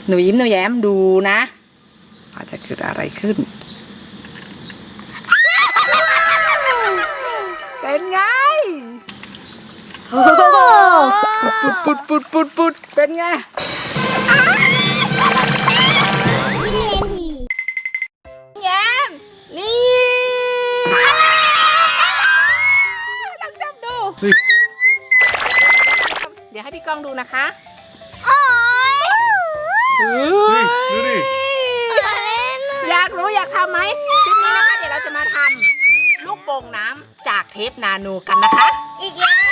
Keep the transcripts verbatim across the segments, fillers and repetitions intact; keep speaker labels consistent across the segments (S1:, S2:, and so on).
S1: หนูยิ้มหนูแย้มดูนะว่าจะเกิดอะไรขึ้นเป็นไงปุดปุดปุดปุดปุดเป็นไงแย้มนี่ลองจับดูเดี๋ยวให้พี่ก้องดูนะคะโอ้ยดูดิอยากรู้อยากทำไหมคลิปนี้นะคะเดี๋ยวเราจะมาทำลูกโป่งน้ำจากเทปนาโนกันนะคะอีกแล้ว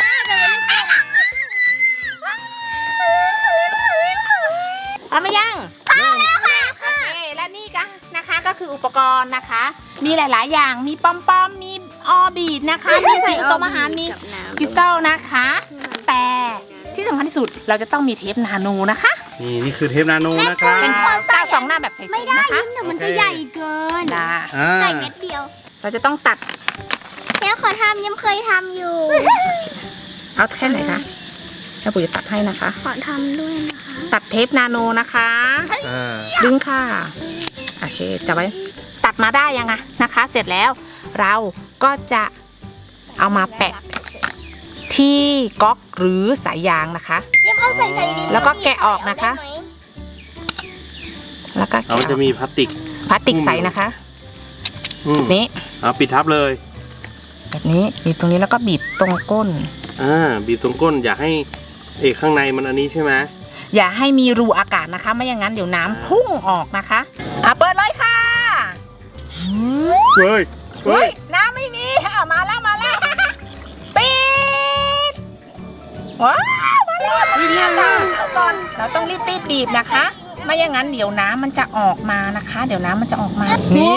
S1: พร้อมไหมยังพร้อมแล้วค่ะโอเคและนี่ก็นะคะก็คืออุปกรณ์นะคะมีหลายๆอย่างมีปอมปอมมีออบีดนะคะมีสีโตมอาหารมีคริสตัลนะคะแต่ที่สำคัญที่สุดเราจะต้องมีเทปนาโนนะคะ
S2: นี่นี่คือเทปนาโนนะครับ
S1: เป็นก้าวสองหน้าแบบใสๆนะคะ
S3: เดี๋ยวมันจะใหญ่เกินใส่เม็ดเดียว
S1: เราจะต้องตัด
S3: แม่ขอทำยังเคยทำอยู่
S1: เอาแค่ไหนคะแม่ปุ๋ยจะตัดให้นะคะ
S3: ขอทำด้วยนะคะ
S1: ตัดเทปนาโนนะคะดึงค่ะโอเคจับไว้ตัดมาได้ยังไงนะคะ เสร็จแล้วเราก็จะเอามาแปะที่ก๊อกหรือสายยางนะคะแล้วก็แกะออกนะคะแล้วก็
S2: เขาจะมีพลาสติก
S1: พลาสติกใสนะคะแบบนี้
S2: เอาปิดทับเลย
S1: แบบนี้บีบตรงนี้แล้วก็บีบตรงก้น
S2: อ่าบีบตรงก้นอย่าให้เอกข้างในมันอันนี้ใช่ไหม
S1: อย่าให้มีรูอากาศนะคะไม่อย่างนั้นเดี๋ยวน้ำพุ่งออกนะคะอ่ะเปิดเลยค่ะ
S2: เฮ้ย
S1: เฮ้ยน้ำไม่มีอ่ะมาแล้วมาแล้วปิดว้าวมาแล้วมาแล้วเอาก่อนเราต้องรีบรีบบีบนะคะไม่อย่างนั้นเดี๋ยวน้ำมันจะออกมานะคะเดี๋ยวน้ำมันจะออกมานี่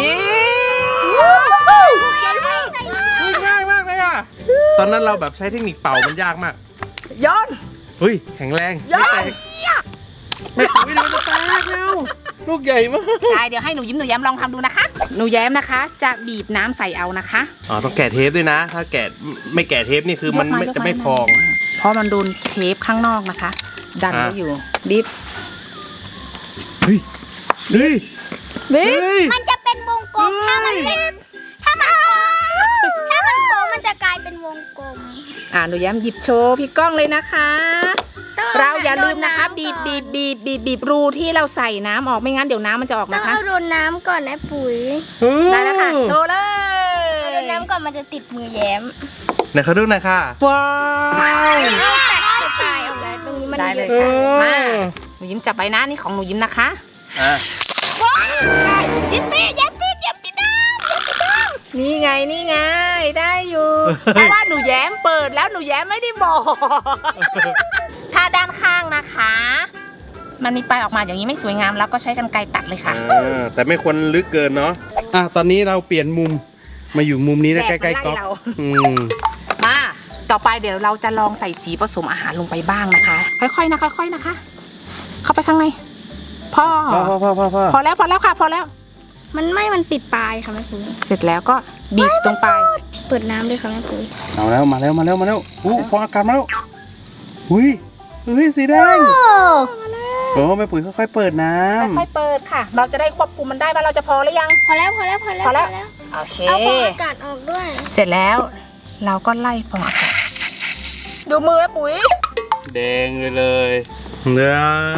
S2: ง่ายมากเลยอ่ะตอนนั้นเราแบบใช้เทคนิคเป่ามันยากมาก
S1: ย้อน
S2: เฮ้ยแข็งแรง
S1: ย้อน
S2: ไม่ปุ๋ยเดี๋ยวมันแตกแล้วลูกใหญ่มาก
S1: ใช่เดี๋ยวให้หนูยิ้มหนูแย้มลองทำดูนะคะหนูแย้มนะคะจะบีบน้ำใส่เอานะคะ
S2: อ๋อต้องแกะเทปด้วยนะถ้าแกะไม่แกะเทปนี่คือมันจะไม่พอง
S1: เพราะมันโดนเทปข้างนอกนะคะดันไว้อยู่บีบ
S2: เฮ้ยเฮ้ย
S1: บีบ
S3: มันจะเป็นวงกลมถ้ามันเป็นถ้ามันถ้ามันโค้งมันจะกลายเป็นวงกลม
S1: อ่าหนูแย้มหยิบโชว์พี่ก้องเลยนะคะเราอย่าลืมนะคะบีบบีบบีบบีบบีบรูที่เราใส่น้ำออกไม่งั้นเดี๋ยวน้ำมันจะออกนะคะ
S3: ต้องเอาโดนน้ำก่อนนะปุ๋ย
S1: ได้แล้วค่ะโชว์เลย
S3: เอาโดนน้ำก่อนมันจะติดมือแย้ม
S2: ไหนเขาดูหน่อยค่ะ
S1: ว้าว
S3: แต่ตายออกแล้วตรงนี้มัน
S1: ได้เลยค่ะมาหนูยิ้มจับใบหน้านี่ของหนูยิ้มนะคะ
S2: อ่ะ
S1: ยิ้มปียิ้มปียิ้มปีน้ำนี่ไงนี่ไงได้อยู่เพราะว่าหนูแย้มเปิดแล้วหนูแย้มไม่ได้บอกถ้าด้านข้างนะคะมันมีปลายออกมาอย่างนี้ไม่สวยงามแล้วก็ใช้กรรไกรตัดเลยค่ะ
S2: แต่ไม่ควรลึกเกินเนาะอ่ะตอนนี้เราเปลี่ยนมุมมาอยู่มุมนี้นะใกล้ๆก๊อก
S1: มาต่อไปเดี๋ยวเราจะลองใส่สีผสมอาหารลงไปบ้างนะคะค่อยๆนะค่อยๆนะคะเข้าไปข้างในพ่อ
S2: พอพอพอพอ
S1: พอแล้วพอแล้วค่ะพอแล้ว
S3: มันไม่มันติดปลายค่ะแม่ปุ๋ย
S1: เสร็จแล้วก็บีบตรงปลาย
S3: เปิดน้ำด้วยค่ะแม่ปุ๋ย
S2: เอาแล้วมาแล้วมาแล้วมาแล้วอู้ฟองอากาศมาแล้วอุ้ยเฮ้ยสีแดงโอ้แม่ปุ๋ยค่อยๆเปิดน้
S1: ำค่อยๆเปิดค่ะเราจะได้ควบคุมมันได้ว่าเราจะพอหรือยัง
S3: พอแล้วพอแล้วพอแล้ว
S1: พอแล้วโอเค
S3: เอาฟองอากาศออกด้วย
S1: เสร็จแล้วเราก็ไล่ฟองอากาศดูมือแม่ปุ๋ย
S2: แดงเลยเลยเนื้อ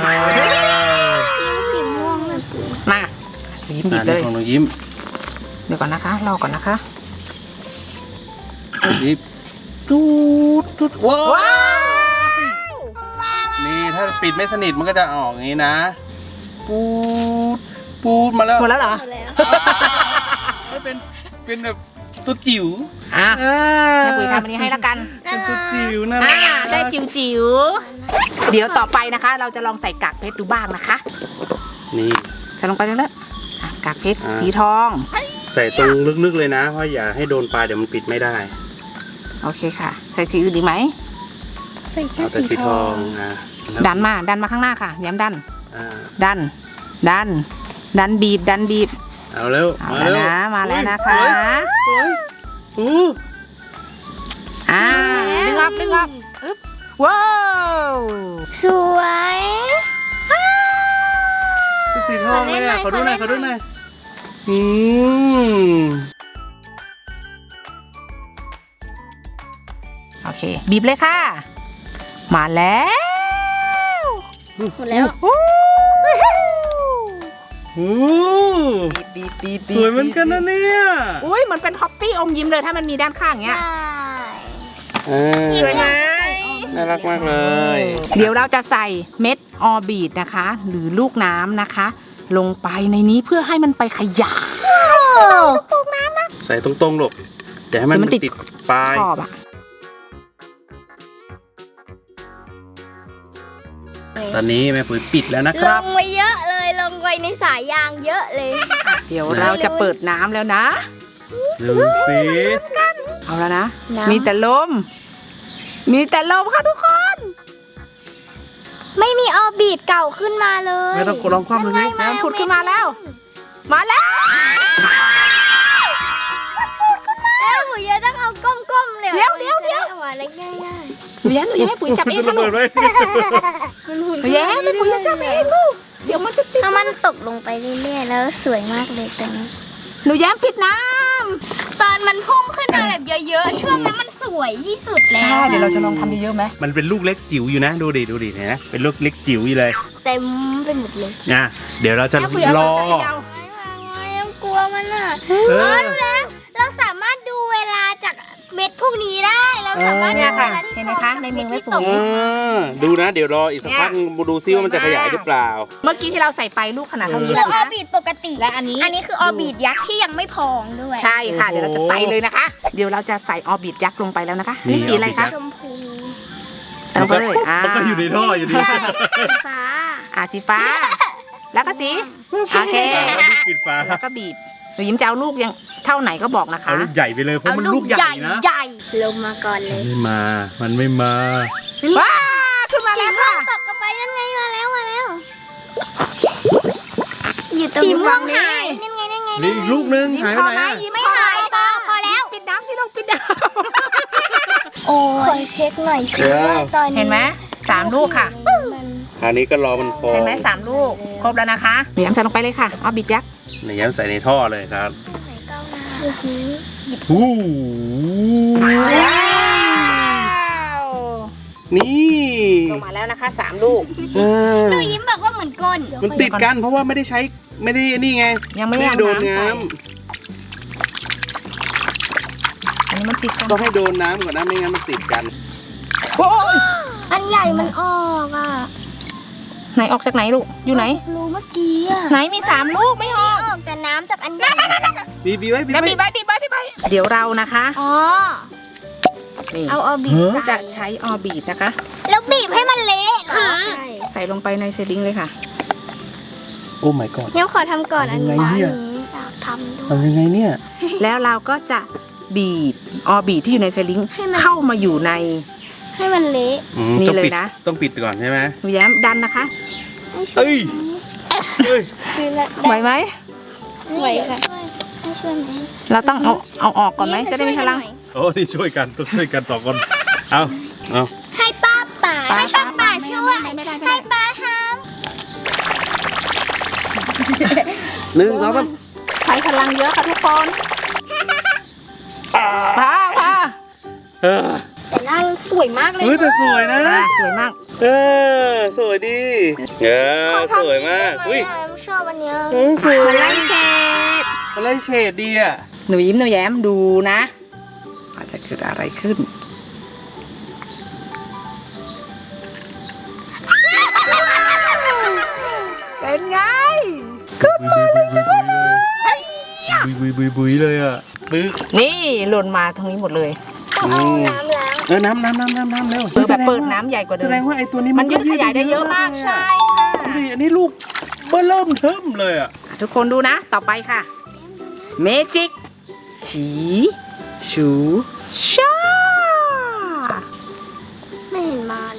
S3: สีม่วงแม่ปุ๋ย
S1: มายิ้มบีบเลย
S2: ของหนูยิ้ม
S1: เดี๋ยวก่อนนะคะรอก่อนนะคะ
S2: ยิ้ม
S1: ดูดว้าว
S2: นี่ถ้าปิดไม่สนิทมันก็จะออกอย่างนี้นะปูดปูดมาแล้ว
S1: หมดแล้วเหรอ
S2: ไม่เป็นเป็นแบบตัวจิ๋ว
S1: อ่ะแม่ปุ๋ยทำอันนี้ให้แล้วกัน
S2: เป็นตัวจิ๋วนะ
S1: ได้จิ๋วจิ๋วเดี๋ยวต่อไปนะคะเราจะลองใส่กากเพชรดูบ้างนะคะ
S2: นี่
S1: ใส่ลงไปแล้วกากเพชรสีทอง
S2: ใส่ตรงลึกๆเลยนะเพราะอย่าให้โดนปลายเดี๋ยวมันปิดไม่ได้
S1: โอเคค่ะใส่สีอื่นดีไหม
S3: ใส่แค่สีทอง
S1: ดันมาดันมาข้างหน้าค่ะย้ำดันดันดันดันบีบดันบีบ
S2: เอาเร็ว
S1: มาแล้วนะมาแล้วนะคะอ่าดึงออกดึงออกอึ๊บว้าว
S3: สวย
S2: สีทองเลยอ่ะขอดูหน่อยขอดูหน่อยอืม
S1: โอเค บีบเลยค่ะ มาแล้ว
S3: หมดแล้ว
S1: โอ้
S2: โอ้
S1: บีบบีบบีบ
S2: สวยเหมือนกันนะเนี่ย
S1: อุ้ยมันเป็นฮอปปี้อมยิ้มเลยถ้ามันมีด้านข้างเงี้ย
S2: เออ
S1: สวยไหม
S2: น่ารักมากเลย
S1: เดี๋ยวเราจะใส่เม็ดออร์บิทนะคะ หรือลูกน้ำนะคะ ลงไปในนี้เพื่อให้มันไปขยาย
S2: ใส่ตรงๆลูกอย่าให้มัน
S1: เดี๋ยวมันติด
S2: ติดปลาย
S1: ขอบอะ
S2: ตอนนี้แม่ปุ๋ยปิดแล้วนะค
S3: ล
S2: รับ
S3: งไว้เยอะเลยลงไว้ในสายยางเยอะเลย
S1: เดี๋ยวเราจะเปิดน้ำแล้วนะ
S2: ดูสิ
S1: เอาแล้วนะ
S3: น้ำ
S1: มีแต่ลม มีแต่ลมค่ะทุกคน
S3: ไม่มีออร์บิทเก่าขึ้นมาเลย
S2: ไม่ต้องกดลองคว่ำเลยไหม
S1: น้ำผุดขึ้นมาแล้ว มาแล้ว
S3: แล้วหนูจะต้องเอาก้มๆเลย
S1: เดี๋ยวเดี๋ยวเดี๋ยว
S3: จะไเอาอะไรง่าย
S1: หนูแย้มหนูแย้มให้ปุ๋ยจับเอง
S2: ระ
S1: ค่ะลู
S2: เบิ
S1: ก
S2: ดไว้
S3: ๆมันหุ่น
S1: หนูแย้มให้ปุ๋ยจับเองลูก เดี๋ยวมันจะติด
S3: ถ้ามันตกลงไปเรื่อยๆแล้วสวยมากเลยตรงนี้
S1: หนูแย้มปิดน้
S3: ตอนมันพุ่งขึ้นมาแบบเยอะๆช่วงนั้นมันสวยที่สุด
S1: ำ
S3: แล้
S1: ใช่
S3: ว
S1: เดี๋ยวเราจะลองทำเยอะๆไหม
S2: มันเป็นลูกเล็กจิ๋วอยู่นะ ดูดิ ดูดิเห็นไหมเป็นลูกเล็กจิ๋วอยู่เลย
S3: เต็มไปหมดเลย
S2: นะเดี๋ยวเราจะ
S1: ถ้าปุ๋ยเอา
S2: รอ
S1: มาใส่ยาว
S3: ยังกลัวมันอ่ะ
S2: เอ
S3: อ๋อ
S2: อ
S3: รู้แล้ว เราสามารถดูเวลาจากเม็ดพวกนี้ได้ เราสามารถดู
S1: เนี่ย
S3: เว
S1: ค่ะ
S3: ลาที่
S1: เห็นไหมคะในมือแม่ปุ๋ย
S3: ตก
S2: อ่าดูนะ เดี๋ยวรออีกสักพักดูซิว่ามันจะขยายหรือเปล่า
S1: เมื่อกี้ที่เราใส่ไปลูกขนาดเท่านี้
S3: แล้
S1: แล้ว ว
S3: ออ
S1: นะ
S3: ร์บิทปกติ
S1: และอันนี้
S3: อันนี้คือออร์บิทยักษ์ที่ยังไม่พองด้วย
S1: ใช่ค่ะ
S2: โอ้โห
S1: เดี๋ยวเราจะใส่เลยนะคะ เดี๋ยวเราจะใส่ออร์บิทยักษ์ลงไปแล้วนะคะนี่สีอะไรคะ
S3: ชมพู
S1: เติมไปเลยอ่า
S2: มันก็อยู่ในท่ออยู่ดี
S3: สีฟ้า
S1: อ่าสีฟ้า แล้วก็สีโอเค
S2: ปิดฝา
S1: แล้วก็บีบหนูยิ้มจะเอาลูกยังเท่าไหนก็บอกนะคะ
S2: เอาลูกใหญ่ไปเลยเพราะ
S3: เอา
S2: มัน
S3: ลู
S2: ลู
S3: ก
S2: กให
S3: ให
S2: ญ่
S3: ญ่
S2: นะ
S3: ใหญ่ลงมาก่อนเลย
S2: ไม่มา มันไม่มา
S1: ว้าขึ้นมาแล้วค่ะ
S3: ตกกันไปนั่นไงมาแล้วมาแล้วอยู่ตรง
S1: สีม่วง
S3: หายนั่นไงนั่นไง
S2: นี่อีกลูกนึง
S1: ยิ้ม
S2: หาย
S1: พ
S2: ไป
S1: อ
S2: ไห
S1: ไห
S2: น
S1: ม
S2: อะ
S1: ยิ้ม
S3: ไม่
S1: พอไหม
S3: หายปอพอแล้ว
S1: ปิดน้ำสิลูกปิดน้
S3: โอ้ยเช็คหน่อยสิว่าตอนนี้
S1: ำเห็นไหมสามลูกค่ะ
S3: มัน
S2: คราวนี้ก็รอมันพอ
S1: เห็นไหมสามลูก ครบแล้วนะคะหนูยิ้มใส่ลงไปเลยค่ะออร์บิทยักษ์
S2: ในย้ำใส่ในท่อเลยครับ
S3: ไหนก้าวหน้าอื้อหือ
S2: ฮู้
S1: ว้าว
S2: นี่
S1: ลงมาแล้วนะคะสามลูก
S2: เออ
S3: หนูยิ้มบอกว่าเหมือนก้น
S2: มันติดกันเพราะว่าไม่ได้ใช้ไม่ได้นี่ไง
S1: ยังไม่ได้เอา
S2: โดน
S1: น้ำใส่
S2: น้
S1: อันนี้มันติดกัน
S2: ำต้องให้โดนน้ำก่อนนะไม่งั้นมันติดกัน
S1: โอ้ย
S3: อันใหญ่มันออกอ่ะ
S1: ไหนออกจากไหนลูกอยู่ไหน
S3: รู้เมื่อกี้อ่ะ
S1: ไหนมีสามลูกไม่ออก
S3: ออกแต่น้ำจากอันใหญ่
S2: บีบีไว้บี
S1: เดี๋ยว
S2: ไว้
S1: บีบไว้บีบไว้บีบไว้เดี๋ยวเรานะคะ
S3: อ๋อ
S1: นี่
S3: เอาออร์บิท
S1: จะ
S3: ใส่
S1: ใช้ออร์บิทนะคะ
S3: แล้วบีบให้มันเละเหรอใช่
S1: ใส่ลงไปในเซลิงเลยค่ะ
S2: โอ้ my god
S3: เดี๋ยวขอทำก่อนอันนี้
S2: ยังไงเนี่ย
S3: อันนี้อยากทำด้วย
S2: ทำยังไงเนี่ย
S1: แล้วเราก็จะบีบออร์บิทที่อยู่ในเซลิง
S3: ให้มัน
S1: เข้ามาอยู่ใน
S3: ให้มันเละ
S2: อืม
S1: นี่
S2: ต้อง
S1: เลย
S2: ปิด
S1: นะ
S2: ต้องปิดก่อนใช่ไหม
S1: หนูแย้มดันนะคะ
S3: ให้ช่วย
S2: เอ้ย เอ้ย
S1: ไหวไหม
S3: ไหวค่ะให้ช่วยไหม
S1: เราต้องเอาเอาออกก่อนไหมจะได้มีพลัง
S2: โอ้นี่ช่วยกันต้องช่วยกันสองคน เอาเอา
S3: ให้ป้าป่า
S1: ป้า
S3: ให้ป้าป่า
S1: ไม่
S3: ช่วย
S1: ไม่ไม่ได้ไม่ได้
S3: ให้ป้าท
S2: หนึ่งสองสาม
S1: ใช้พลังเยอะค่ะทุกคนพาพา
S2: เออ
S3: ำแต่หน้าสวยมากเลย
S2: เฮ้ยแต่สวยนะ
S1: อ่าสวยมาก
S2: เออ สวยดี เออ สวยมาก
S3: อุ้
S2: อุ้
S3: ย
S2: ย
S3: ชอบอันเนี้ย
S2: เออสวย
S1: มันไล่เชด
S2: อะไรเฉดดีอ่ะ
S1: หนูยิ้มหนูแย้มดูนะอาจจะเกิดอะไรขึ้น เป็นไง
S2: ขึ้นมาเลยบุยบุยบุยบุยเลยอ่ะปึ๊ก
S1: นี่หล่นมาตรงนี้หมดเลย
S2: อืม
S3: น้ำล้าง
S2: เออน้ำน้ำน้ำน้ำน้ำเร็ว
S1: เปิดแบบเปิดน้ำใหญ่กว่าเดิ
S2: แส
S1: ม
S2: ดงว่าไอ้ตัวนี้
S1: มันยืดขยายได้เยอะมาก
S2: เลย
S1: ใช่
S2: อะ
S1: ค่ะ
S2: ดูดิอันนี้ลูกเบิ่มเริ่มเทิมเลยอ่ะ
S1: ทุกคนดูนะ ต่อไปค่ะ เมจิกฉีชูชา
S3: ไม่เห็นมาเลย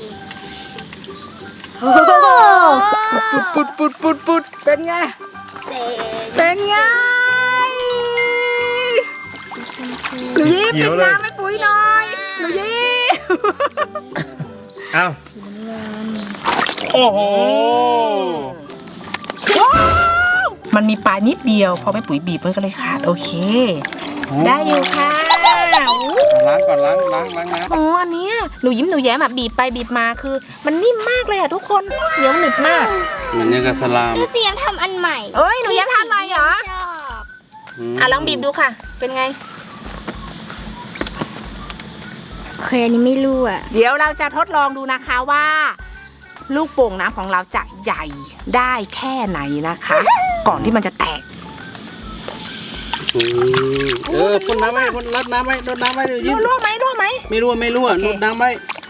S1: ปุดปุดปุดปุดปุดเป็นไง
S3: เจ๊
S1: เป็นไงหนูยิ้มปิดน้ำให้ปุ๋ยหน่อยหนูยิ้ม
S2: เอาโอ้โห
S1: ว้าวมันมีปลายนิดเดียวพอแม่ปุ๋ยบีบมันก็เลยขาดโอเค
S2: โอ้
S1: ได้อยู่ค่ะอู้
S2: ล้างก่อนล้างล้างล้างน้
S1: อ๋ออันเนี้ยหนูยิ้มหนูแย้มแบบบีบไปบีบมาคือ มันนิ่มมากเลยอะทุกคนเหนียวหนึบมาก
S2: ำเหมือนยังกับสลาม
S3: ดูเสียงทำอันใหม่
S1: เอ้ยหนูแย้มทำอะไรเหรอ
S3: ชอบ
S1: อ่ะลองบีบดูค่ะ เป็นไง
S3: เคยอันนี้ไม่รู้อ่ะ
S1: เดี๋ยวเราจะทดลองดูนะคะว่า ลูกโป่งน้ำของเราจะใหญ่ได้แค่ไหนนะคะ ก่อนที่มันจะแตก
S2: อืมเออพ่นน้ำไหมพ่นรดน้ำไหมรดน้ำไหมเดี๋ยวยิ้ม
S1: รั่วไหมรั่วไหม
S2: ไม่รั่วไม่รั่ว
S1: โอเค
S2: รดน้ำไหม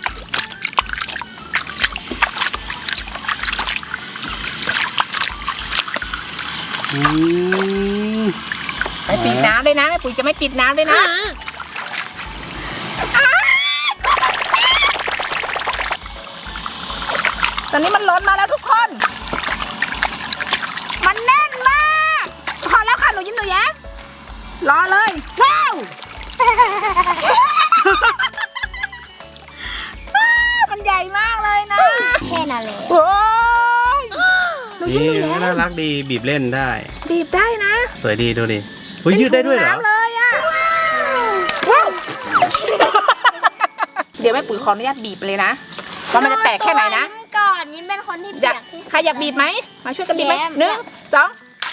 S2: อืม
S1: ไม่ปิดน้ำเลยนะแม่ปุ๋ยจะไม่ปิดน้ำเลยนะตอนนี้มันล้นมาแล้วทุกคน มันแน่นมากพอแล้วค่ะหนูยิ้มหนูแย้มรอเลยว้าว มันใหญ่มากเลยนะ
S3: แค่นั้นเลย
S1: โอ้ยหนูยิ้มหนู
S2: นี่
S1: แย้ม
S2: น่ารักดีบีบเล่นได้
S1: บีบได้นะ
S2: สวยดีดูดิเฮ้ยยืดได้ด้วยเหรอ
S1: ป็นถุงน้ำเลยอะว้าว เดี๋ยวแม่ปุ๋ยขออนุญาตบีบเลยนะว่ามันจะแตกแค่ไหนนะ
S3: ยิ้มก่อนยิ้มเป็นคนที่
S1: อ
S3: เปี
S1: ยาก
S3: ยกที่สุด
S1: ใครอยากบีบไหมมาช่วยกันบีบไหม
S3: แย้ม
S1: หนึ่งสอง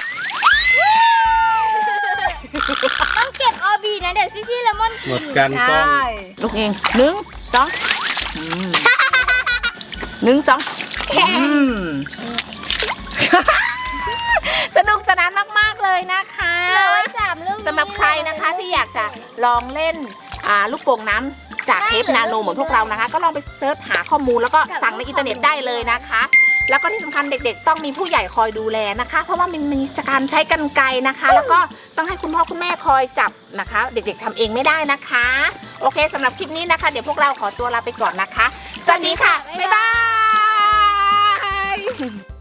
S3: ต้องเก็บออบีนะเดี๋ยวซิซี่เลมอน
S2: หมดกันกล้อง
S1: ลูกเองหนึ่งสองอืมหนึ่งสองอืม สนุกสนานมาก ๆ เลยนะคะ
S3: เหลือไว้สามลูก
S1: สำหรับใครนะคะที่อยากจะลองเล่นอ่าลูกโป่งน้ำจากเทปนาโนเหมือนพวกเรานะคะ ก็ลองไปเซิร์ชหาข้อมูลแล้วก็สั่งในอินเทอร์เน็ตได้เลยนะคะ แล้วก็ที่สำคัญเด็กๆ ต้องมีผู้ใหญ่คอยดูแลนะคะ เพราะว่ามันมีการใช้กรรไกรนะคะ แล้วก็ต้องให้คุณพ่อคุณแม่คอยจับนะคะ เด็กๆทำเองไม่ได้นะคะ โอเคสำหรับคลิปนี้นะคะ เดี๋ยวพวกเราขอตัวลาไปก่อนนะคะ สวัสดีค่ะ บ๊ายบาย